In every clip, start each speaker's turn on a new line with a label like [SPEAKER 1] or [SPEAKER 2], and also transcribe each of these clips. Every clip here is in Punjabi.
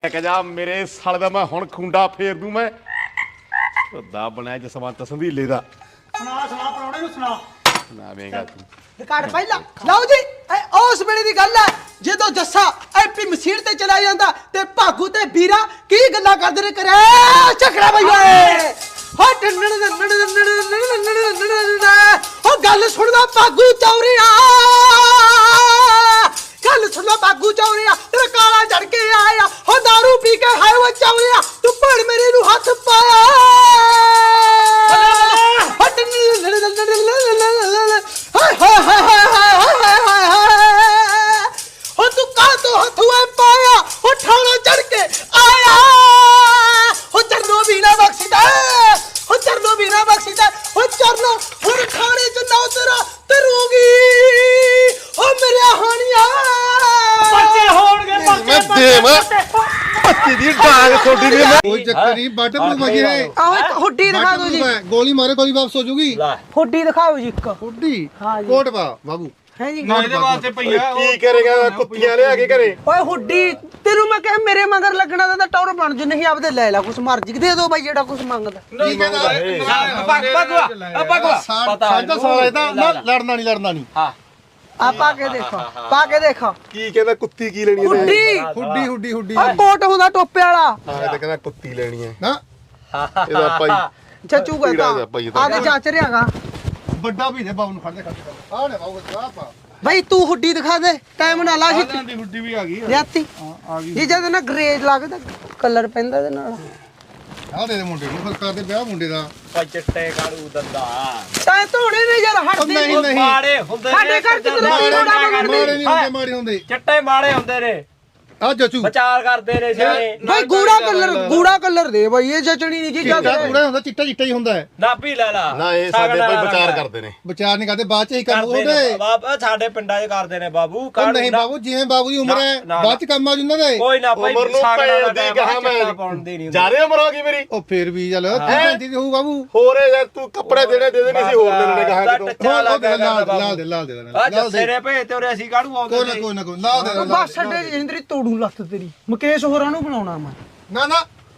[SPEAKER 1] ਜਾ ਮੇਰੇ ਸਾਲੇ ਦਾ ਮੈਂ ਹੁਣ ਖੁੰਡਾ ਫੇਰ ਦੂੰ ਮੈਂ ਦਾ ਬਣਿਆ ਜਸਵੰਤ ਸੰਧੀਲੇ ਦਾ
[SPEAKER 2] ਸੁਣਾ ਪ੍ਰਾਹੁਣੇ ਨੂੰ ਸੁਣਾ
[SPEAKER 1] ਸੁਣਾਵੇਂਗਾ ਤੂੰ
[SPEAKER 3] ਰਿਕਾਰਡ ਪਹਿਲਾਂ ਲਓ ਜੀ ਇਹ ਉਸ ਵੇਲੇ ਦੀ ਗੱਲ ਹੈ ਜਦੋਂ ਜੱਸਾ ਐਪੀ ਮਸੀਰ ਤੇ ਚਲਾ ਜਾਂਦਾ ਤੇ ਭਾਗੂ ਤੇ ਵੀਰਾ ਕੀ ਗੱਲਾਂ ਕਰਦੇ ਨੇ ਕਰੇ ਝਗੜਾ ਬਈ ਓਏ ਹੋ ਗੱਲ ਸੁਣਦਾ ਭਾਗੂ ਚੌਰੀਆ ਗੱਲ ਸੁਣਦਾ ਭਾਗੂ ਚੌਰੀਆ ਤੇਰਾ ਕਾਲਾ ਚੜ ਕੇ ਆਇਆ ਹੋ ਦਾਰੂ ਪੀ ਕੇ ਹਾਏ ਉਹ ਚੌਰੀਆ ਤੂੰ ਭੜ ਮੇਰੇ ਨੂੰ ਹੱਥ ਪਾਇਆ ਹੋ ਤੂੰ ਕਾਹ ਤੋਂ ਹੱਥੂਏ ਪਾਇਆ ਹੋ ਠਾਣਾ ਚੜ ਕੇ ਆਇਆ ਹੋ ਚਰਨੋ ਵੀਣਾ ਬਖਸ਼ਦਾ ਹੋ ਚਰਨੋ ਵੀਣਾ ਬਖਸ਼ਦਾ ਹੋ ਚਰਨੋ ਹੁਣ ਖਾਣੇ ਚ ਨਾ ਤੇਰਾ ਤਰੂਗੀ ਹੋ ਮੇਰੇ ਹਾਣੀਆਂ
[SPEAKER 2] ਬੱਚੇ ਹੋਣਗੇ
[SPEAKER 1] ਮੈਂ ਦੇਵ ਬੱਚੀ ਦੀ ਡਾਂਗ ਛੋਟੀ ਦੀ
[SPEAKER 4] ਕੋਈ ਚੱਕਰ ਨਹੀਂ ਬੱਟ ਬਲੂ ਮਗੇ
[SPEAKER 3] ਆਹ ਇੱਕ ਹੁੱਡੀ ਦਿਖਾ ਦਿਓ ਜੀ
[SPEAKER 4] ਗੋਲੀ ਮਾਰੇ ਗੋਲੀ ਵਾਪਸ ਹੋ ਜੂਗੀ
[SPEAKER 3] ਹੁੱਡੀ ਦਿਖਾਓ ਜੀ ਇੱਕ
[SPEAKER 4] ਹੁੱਡੀ
[SPEAKER 3] ਹਾਂ ਜੀ
[SPEAKER 4] ਕੋਟ ਪਾ ਬਾਬੂ
[SPEAKER 3] ਹੈ ਜੀ
[SPEAKER 2] ਇਹਦੇ ਵਾਸਤੇ ਪਈਆ
[SPEAKER 1] ਕੀ ਕਰੇਗਾ ਕੁੱਤੀਆਂ ਲਿਆ ਕੇ ਘਰੇ
[SPEAKER 3] ਓਏ ਹੁੱਡੀ ਤੈਨੂੰ ਮੈਂ ਕਿਹਾ ਮੇਰੇ ਮਗਰ ਲੱਗਣਾ ਤਾਂ ਟੌਰ ਬਣ ਜੂ ਨਹੀਂ ਆਪਦੇ ਲੈ ਲੈ ਕੁਛ ਮਰਜੀ ਦੇ ਦੋ ਬਾਈ ਜਿਹੜਾ ਕੁਛ ਮੰਗਦਾ
[SPEAKER 4] ਕੀ ਮੰਗਦਾ
[SPEAKER 2] ਬਗਵਾ
[SPEAKER 4] ਸਾਡਾ ਸਾਲਾ ਇਹਦਾ ਲੜਨਾ ਨਹੀਂ
[SPEAKER 2] ਹਾਂ
[SPEAKER 3] ਆ ਪਾ ਕੇ ਦੇਖੋ
[SPEAKER 1] ਕੀ ਕਹਿੰਦਾ ਕੁੱਤੀ ਕੀ ਲੈਣੀ ਇਹਨੇ
[SPEAKER 4] ਹੁੱਡੀ
[SPEAKER 3] ਆ ਕੋਟ ਹੁੰਦਾ ਟੋਪੇ ਵਾਲਾ
[SPEAKER 1] ਹਾਂ ਇਹ ਤਾਂ ਕਹਿੰਦਾ ਕੁੱਤੀ ਲੈਣੀ ਹੈ
[SPEAKER 4] ਨਾ
[SPEAKER 1] ਇਹਦਾ ਭਾਈ
[SPEAKER 3] ਚੱਚੂ ਕਹਿੰਦਾ ਆਦੇ ਜਾਂਚ ਰਿਆਗਾ
[SPEAKER 4] ਵੱਡਾ ਵੀ ਨੇ ਬਾਬੂ ਨੂੰ ਫੜ ਦੇ ਆ ਨੇ ਬਾਬੂ ਆ ਪਾ
[SPEAKER 3] ਬਾਈ ਤੂੰ ਹੁੱਡੀ ਦਿਖਾ ਦੇ ਟਾਈਮ ਨਾਲ ਲਾ ਸੀ
[SPEAKER 2] ਦੀ ਹੁੱਡੀ ਵੀ ਆ ਗਈ
[SPEAKER 3] ਲਿਆਤੀ
[SPEAKER 4] ਆ ਗਈ
[SPEAKER 3] ਜੀ ਜਦ ਨਾ ਗ੍ਰੇਜ ਲੱਗਦਾ ਕਲਰ ਪੈਂਦਾ ਇਹਦੇ ਨਾਲ
[SPEAKER 4] ਆ ਦੇ ਮੁੰਡੇ ਨੂੰ ਫਿਰ ਕਰਦੇ ਵਿਆਹ ਮੁੰਡੇ ਦਾ
[SPEAKER 2] ਭਾਈ ਚਿੱਟੇ ਕਾੜੂ ਦੰਦਾ
[SPEAKER 3] ਤਾਂ ਧੋਣੇ ਨੇ ਯਾਰ ਹਟਦੇ
[SPEAKER 4] ਨਹੀਂ ਨਹੀਂ
[SPEAKER 2] ਮਾੜੇ ਹੁੰਦੇ
[SPEAKER 3] ਸਾਡੇ ਘਰ ਚ ਤਾਂ
[SPEAKER 4] ਮਾੜੇ ਨਹੀਂ ਹੁੰਦੇ ਮਾੜੇ ਹੁੰਦੇ
[SPEAKER 2] ਚਿੱਟੇ ਮਾੜੇ ਹੁੰਦੇ ਨੇ
[SPEAKER 4] ਆ ਜਚੂ
[SPEAKER 2] ਵਿਚਾਰ ਕਰਦੇ ਨੇ ਸਿਆਣੇ
[SPEAKER 3] ਬਾਈ ਗੂੜਾ ਕਲਰ ਦੇ ਬਾਈ ਇਹ ਜਚਣੀ ਨਹੀਂ ਕੀ
[SPEAKER 4] ਚਿੱਟਾ
[SPEAKER 3] ਕਰਦੇ
[SPEAKER 4] ਕੂੜਾ ਹੁੰਦਾ ਚਿੱਟਾ ਹੀ ਹੁੰਦਾ ਹੈ
[SPEAKER 2] ਨਾਭੀ ਲੈ ਲਾ
[SPEAKER 1] ਨਾ ਇਹ ਸਾਡੇ ਭਾਈ ਵਿਚਾਰ ਕਰਦੇ ਨੇ
[SPEAKER 4] ਵਿਚਾਰ ਨਹੀਂ ਕਰਦੇ ਬਾਅਦ ਚ ਹੀ ਕੰਮ
[SPEAKER 2] ਕਰਦੇ ਨੇ
[SPEAKER 4] ਹੁੰਦੇ
[SPEAKER 2] ਬਾਬਾ ਸਾਡੇ ਪਿੰਡਾਂ 'ਚ ਕਰਦੇ ਨੇ ਬਾਬੂ
[SPEAKER 4] ਉਹ ਨਹੀਂ ਬਾਬੂ ਜਿਵੇਂ ਬਾਬੂ ਦੀ ਉਮਰ ਹੈ ਬਾਅਦ ਚ ਕੰਮ ਆ ਜੁੰਦਾ ਦੇ
[SPEAKER 2] ਕੋਈ ਨਾ ਭਾਈ
[SPEAKER 1] ਉਮਰ ਨੂੰ ਭੈਣ ਦੀ ਕਹਾ ਮੈਂ
[SPEAKER 2] ਪਾਉਂਦੀ ਨਹੀਂ
[SPEAKER 1] ਜਾਰੇ ਉਮਰ ਹੋ ਗਈ ਮੇਰੀ
[SPEAKER 4] ਉਹ ਫੇਰ ਵੀ ਚੱਲ 35 ਦੀ ਹੋਊ ਬਾਬੂ
[SPEAKER 1] ਹੋਰ ਯਾਰ ਤੂੰ ਕੱਪੜੇ ਦੇਣੇ ਦੇ ਦੇ ਨਹੀਂ ਸੀ ਹੋਰ ਲੈਣੇ ਕਹਾ
[SPEAKER 4] ਲਾਲ ਦੇ
[SPEAKER 2] ਆ ਤੇਰੇ ਭੇਜ ਤੇ ਉਰੇ ਅਸੀਂ ਕਾੜੂ ਆਉਂਦੇ
[SPEAKER 4] ਕੋਈ ਨਾ ਲਾਲ ਦੇ
[SPEAKER 3] ਬਸ ਛੱਡੇ ਜਿੰਦਰੀ ਤੋੜੂ ਲੱਤ ਤੇਰੀ ਮੁਕੇਸ਼ ਹੋਰਾਂ ਨੂੰ ਬਣਾਉਣਾ ਮੈਂ
[SPEAKER 4] ਨਾ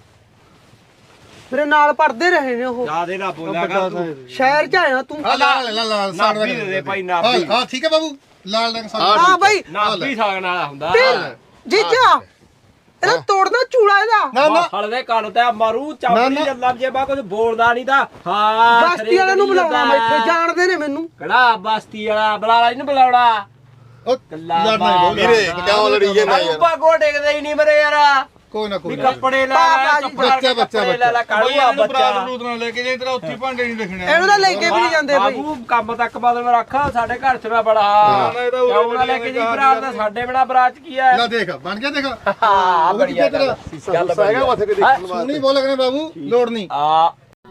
[SPEAKER 3] ਮੇਰੇ ਨਾਲ ਪੜਦੇ ਰਹੇ ਨੇ ਉਹ
[SPEAKER 2] ਜਿਆਦੇ ਨਾ ਬੋਲਿਆ ਕਰ ਤੂੰ
[SPEAKER 3] ਸ਼ਹਿਰ ਚ ਆਇਆ ਤੂੰ
[SPEAKER 4] ਲਾਲ
[SPEAKER 2] ਨਾਭੀ ਦੇ ਦੇ ਭਾਈ ਨਾਭੀ
[SPEAKER 4] ਹਾਂ ਠੀਕ ਹੈ ਬਾਬੂ ਲਾਲ ਰੰਗ ਸਾਡਾ
[SPEAKER 3] ਹਾਂ ਬਾਈ
[SPEAKER 2] ਨਾਭੀ ਸਾਗਣ ਵਾਲਾ ਹੁੰਦਾ
[SPEAKER 3] ਜੀਜਾ ਇਹਦਾ ਤੋੜਨਾ ਚੂੜਾ ਇਹਦਾ
[SPEAKER 4] ਨਾ
[SPEAKER 2] ਹਲਦੇ ਕੰਨ ਤੇ ਮਾਰੂ ਚਾਪੜੀ ਜੱਲਾ ਜੇ ਬਾ ਕੁਝ ਬੋਲਦਾ ਨਹੀਂ ਤਾਂ ਹਾਂ
[SPEAKER 3] ਬਸਤੀ ਵਾਲੇ ਨੂੰ ਬੁਲਾਉਣਾ ਮੈਂ ਇੱਥੇ ਜਾਣਦੇ ਨੇ ਮੈਨੂੰ
[SPEAKER 2] ਕਿਹੜਾ ਬਸਤੀ ਵਾਲਾ ਬੁਲਾਲਾ ਇਹਨੂੰ ਬੁਲਾਉਣਾ
[SPEAKER 4] ਉਹ ਲੜਨਾ
[SPEAKER 1] ਵੀਰੇ ਕਿਉਂ ਲੜੀ ਜਾਂਦਾ ਯਾਰ
[SPEAKER 2] ਉੱਪਾ ਗੋ ਡੇਗਦੇ ਹੀ ਨਹੀਂ ਮਰੇ ਯਾਰ
[SPEAKER 4] ਕੋਈ ਨਾ
[SPEAKER 2] ਵੀ ਕੱਪੜੇ ਲੈ
[SPEAKER 4] ਬੱਚਾ
[SPEAKER 2] ਲੈ ਲੈ ਕਾੜੂਆ ਬੱਚਾ
[SPEAKER 5] ਨਾਲ ਲੈ ਕੇ ਜੇ ਤੇਰਾ ਉੱਥੇ ਭਾਂਡੇ ਨਹੀਂ ਦੇਖਣੇ
[SPEAKER 3] ਇਹਨੂੰ ਤਾਂ ਲੈ ਕੇ ਵੀ ਨਹੀਂ ਜਾਂਦੇ ਬਾਈ
[SPEAKER 2] ਬਾਬੂ ਕੰਮ ਤੱਕ ਬਦਲ ਰੱਖ ਸਾਡੇ ਘਰ ਚ ਨਾ ਬੜਾ ਕਿਉਂ ਨਾ ਲੈ ਕੇ ਜੀ ਬਰਾਤ ਦਾ ਸਾਡੇ ਬੜਾ ਬਰਾਤ ਕੀ ਹੈ
[SPEAKER 4] ਲੈ ਦੇਖ ਬਣ ਗਿਆ ਦੇਖ
[SPEAKER 2] ਹਾਂ ਬੜੀਆ ਗੱਲ
[SPEAKER 1] ਹੈਗਾ ਮੱਥੇ ਤੇ ਦੇਖਣ
[SPEAKER 4] ਤੂੰ ਨਹੀਂ ਬੋਲ ਕਰੇ ਬਾਬੂ ਲੋੜ ਨਹੀਂ
[SPEAKER 2] ਆ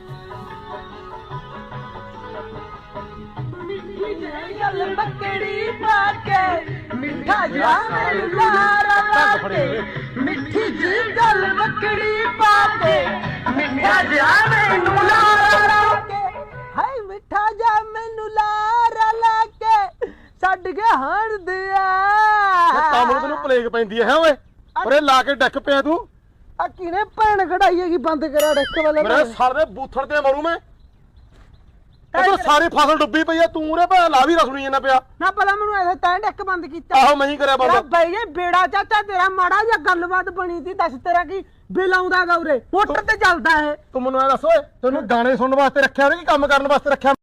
[SPEAKER 3] ਗੱਲ ਬੱਕੜੀ ਪਾ ਕੇ ਮਿੱਠਾ ਜਾਨ ਲਾਰਾ ਪਾ ਕੇ ਮਿੱਠੀ ਜੀ ਗੱਲ ਬੱਕੜੀ ਪਾ ਕੇ ਮਿੱਠਾ ਜਾ ਮੈਨੂੰ ਲਾਰਾ ਕੇ ਹਾਏ ਮਿੱਠਾ ਜਾ ਮੈਨੂੰ ਲਾਰਾ ਲਾ ਕੇ ਛੱਡ ਕੇ ਹਣਦੇ
[SPEAKER 1] ਤਾਂ ਮੈਨੂੰ ਤੈਨੂੰ ਪਲੇਗ ਪੈਂਦੀ ਹੈ ਓਏ ਉਰੇ ਲਾ ਕੇ ਡੱਕ ਪਿਆ ਤੂੰ
[SPEAKER 3] ਆ ਕਿਨੇ ਭੈਣ ਕਢਾਈ ਹੈਗੀ ਬੰਦ ਕਰਿਆ ਡੱਕ ਵਾਲੇ
[SPEAKER 1] ਮੇਰੇ ਸਰ ਦੇ ਬੂਥੜ ਤੇ ਮਰੂ ਮੈਂ ਉਹ ਸਾਰੀ ਫਸਲ ਡੁੱਬੀ ਪਈ ਆ ਤੂੰ ਰੇ ਭਾ ਲਾ ਵੀ ਰਸਣੀ ਜਾਂਦਾ ਪਿਆ
[SPEAKER 3] ਨਾ ਪਹਿਲਾਂ ਮੈਨੂੰ ਐਸੇ ਤੈਂ ਡੱਕ ਬੰਦ ਕੀਤਾ
[SPEAKER 1] ਆਹੋ ਮੈਂ ਹੀ ਕਰਿਆ ਬੰਦ
[SPEAKER 3] ਬਈ ਜੇ ਬੇੜਾ ਚਾਚਾ ਤੇਰਾ ਮਾੜਾ ਜਿਹਾ ਗੱਲਬਾਤ ਬਣੀ ਸੀ ਦੱਸ ਤੇਰਾ ਕੀ ਬਿੱਲ ਆਉਂਦਾ ਗਾ ਉਰੇ ਮੋਟਰ ਤੇ ਚੱਲਦਾ ਹੈ
[SPEAKER 1] ਤੂੰ ਮੈਨੂੰ ਐ ਦੱਸ ਓਏ ਤੈਨੂੰ ਗਾਣੇ ਸੁਣਨ ਵਾਸਤੇ ਰੱਖਿਆ ਕਿ ਕੰਮ ਕਰਨ ਵਾਸਤੇ ਰੱਖਿਆ